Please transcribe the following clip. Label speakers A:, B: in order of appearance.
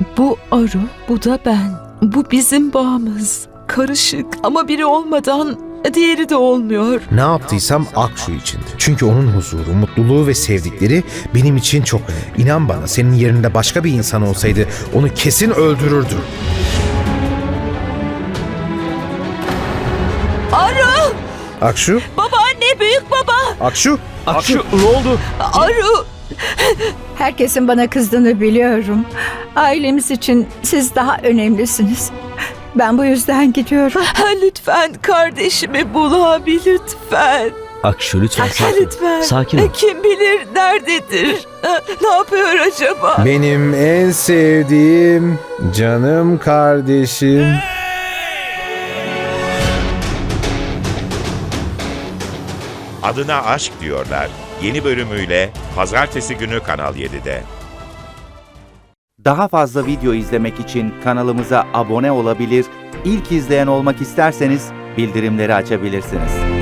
A: Bu Aru, bu da ben. Bu bizim bağımız. Karışık ama biri olmadan diğeri de olmuyor.
B: Ne yaptıysam Akşu içindi. Çünkü onun huzuru, mutluluğu ve sevdikleri benim için çok önemli. İnan bana, senin yerinde başka bir insan olsaydı onu kesin öldürürdü.
A: Aru!
B: Akşu?
A: Babaanne, büyük baba!
B: Akşu?
C: Akşu ne oldu?
A: Aru!
D: Herkesin bana kızdığını biliyorum. Ailemiz için siz daha önemlisiniz. Ben bu yüzden gidiyorum.
A: Lütfen kardeşimi bul abi, lütfen.
C: Akşu lütfen sakin ol.
A: Lütfen.
C: Sakin ol.
A: Kim bilir nerededir? Ne yapıyor acaba?
B: Benim en sevdiğim canım kardeşim.
E: Adına Aşk Diyorlar yeni bölümüyle Pazartesi günü Kanal 7'de.
F: Daha fazla video izlemek için kanalımıza abone olabilir, ilk izleyen olmak isterseniz bildirimleri açabilirsiniz.